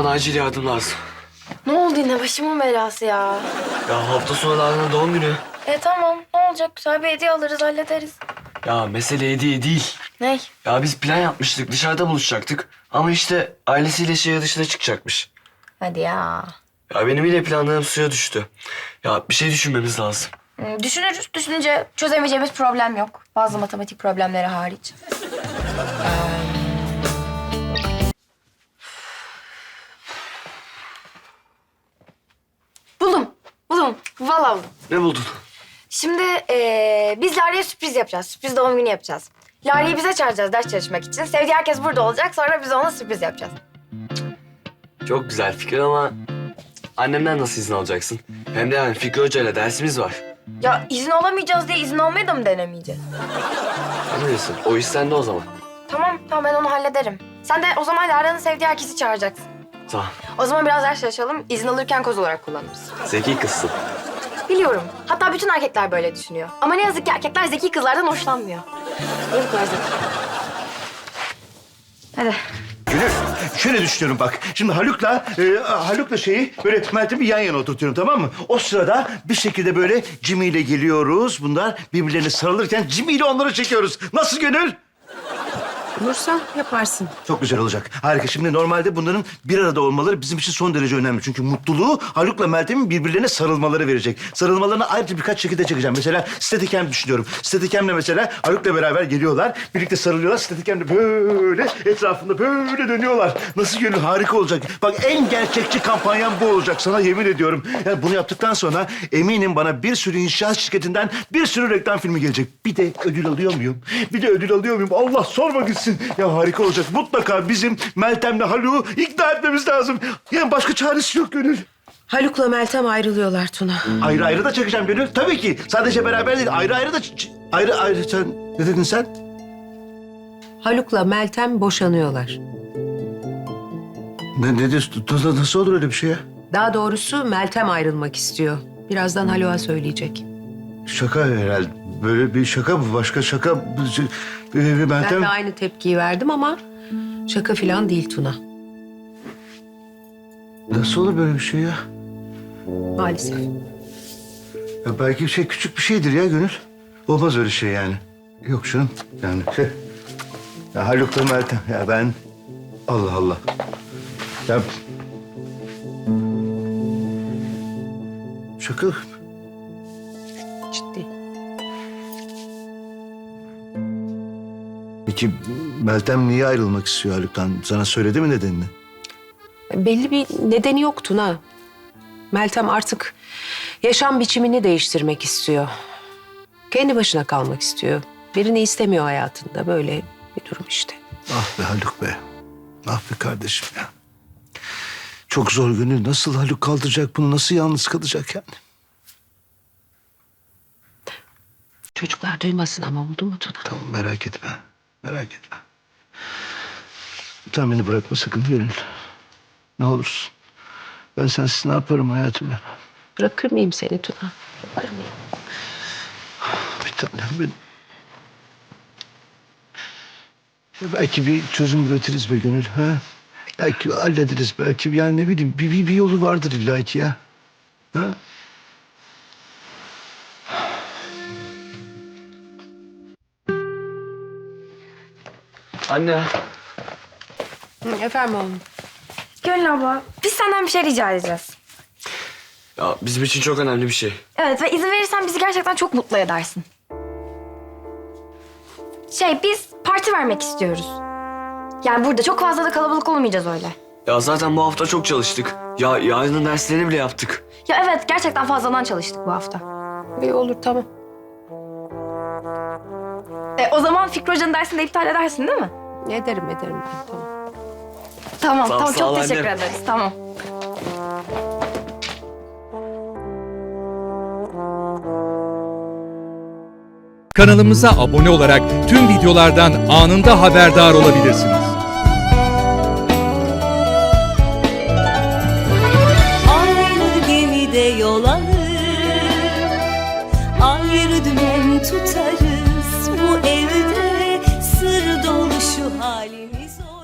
bana acil yardım lazım. Ne oldu yine başımın belası ya? Ya hafta sonu Lara'nın doğum günü. Tamam ne olacak güzel bir hediye alırız hallederiz. Ya mesele hediye değil. Ney? Ya biz plan yapmıştık, dışarıda buluşacaktık. Ama işte ailesiyle şehir dışına çıkacakmış. Hadi ya. Ya benim yine planlarım suya düştü. Ya bir şey düşünmemiz lazım. Düşünürüz. Düşününce çözemeyeceğimiz problem yok. Bazı matematik problemleri hariç. Buldum. Vallahi buldum. Ne buldun? Şimdi biz Lara'ya sürpriz yapacağız. Sürpriz doğum günü yapacağız. Lara'yı bize çağıracağız ders çalışmak için. Sevdiği herkes burada olacak. Sonra biz ona sürpriz yapacağız. Çok güzel fikir ama annemden nasıl izin alacaksın? Hem de yani Fikri Hoca ile dersimiz var. Ya izin alamayacağız diye izin almayı da mı denemeyeceğiz? Ne diyorsun? O iş sende o zaman. Tamam ben onu hallederim. Sen de o zaman Lara'nın sevdiği herkesi çağıracaksın. Tamam. O zaman biraz ders çalışalım. İzin alırken koz olarak kullanırız. Zeki kızsın. Biliyorum. Hatta bütün erkekler böyle düşünüyor. Ama ne yazık ki erkekler zeki kızlardan hoşlanmıyor. Niye bu kadar zeki? Hadi. Gönül, şöyle düşünüyorum bak. Şimdi Haluk'la şeyi böyle Meltem'i yan yana oturtuyorum, tamam mı? O sırada bir şekilde böyle Jimmy ile geliyoruz. Bunlar birbirlerine sarılırken Jimmy ile onları çekiyoruz. Nasıl Gönül? Olursa yaparsın. Çok güzel olacak. Harika. Şimdi normalde bunların bir arada olmaları bizim için son derece önemli. Çünkü mutluluğu Haluk'la Meltem'in birbirlerine sarılmaları verecek. Sarılmalarını ayrıca birkaç şekilde çekeceğim. Mesela Steadicam düşünüyorum. Steadicam'le mesela Haluk'la beraber geliyorlar. Birlikte sarılıyorlar. Steadicam'le böyle etrafında böyle dönüyorlar. Nasıl Gönül? Harika olacak. Bak en gerçekçi kampanyam bu olacak. Sana yemin ediyorum. Yani bunu yaptıktan sonra eminim bana bir sürü inşaat şirketinden bir sürü reklam filmi gelecek. Bir de ödül alıyor muyum? Allah sorma gitsin. Ya harika olacak. Mutlaka bizim Meltem'le Haluk'u ikna etmemiz lazım. Yani başka çaresi yok Gönül. Haluk'la Meltem ayrılıyorlar Tuna. Ayrı ayrı da çekeceğim Gönül. Tabii ki. Sadece beraber değil. Ayrı ayrı da... Ayrı ayrı... Sen ne dedin sen? Haluk'la Meltem boşanıyorlar. Ne diyorsun? Nasıl olur öyle bir şey ya? Daha doğrusu Meltem ayrılmak istiyor. Birazdan Haluk'a söyleyecek. Şaka herhalde. Böyle bir şaka mı? Başka şaka... Meltem... Ben de aynı tepkiyi verdim ama şaka falan değil Tuna. Nasıl olur böyle bir şey ya? Maalesef. Ya belki küçük bir şeydir ya Gönül. Olmaz öyle şey yani. Yok canım yani Ya Haluk'la Meltem ya ben... Allah Allah. Ya... Şaka. Ciddi. Peki Meltem niye ayrılmak istiyor Haluk'tan? Sana söyledi mi nedenini? Belli bir nedeni yok Tuna. Meltem artık yaşam biçimini değiştirmek istiyor. Kendi başına kalmak istiyor. Birini istemiyor hayatında. Böyle bir durum işte. Ah be Haluk be. Ah be kardeşim ya. Çok zor Gönül. Nasıl Haluk kaldıracak bunu? Nasıl yalnız kalacak yani? Çocuklar duymasın ama oldu mu Tuna? Tamam merak etme. Merak etme. Sen beni bırakma sakın Gönül. Ne olursun. Ben sensiz ne yaparım hayatım ya? Bırakır mıyım seni Tuna? Bırakır mıyım? Bir tanem benim. Ya belki bir çözüm üretiriz be Gönül. Ha? Belki hallederiz. Belki yani ne bileyim bir yolu vardır illa ki ya. Ha? Anne. Efendim oğlum. Gönül abla biz senden bir şey rica edeceğiz. Ya bizim için çok önemli bir şey. Evet ve izin verirsen bizi gerçekten çok mutlu edersin. Biz parti vermek istiyoruz. Yani burada çok fazla da kalabalık olmayacağız öyle. Ya zaten bu hafta çok çalıştık. Ya yarının derslerini bile yaptık. Ya evet gerçekten fazladan çalıştık bu hafta. İyi olur tamam. O zaman Fikri Hoca'nın dersini de iptal edersin değil mi? Ederim ben tamam. Tamam Tamam, sağ ol çok teşekkür annem. ederiz tamam. Kanalımıza abone olarak tüm videolardan anında haberdar olabilirsiniz. Aynı gemide yol alır, ayrı dümen tutarız. Bu evde sır dolu şu halimiz olur.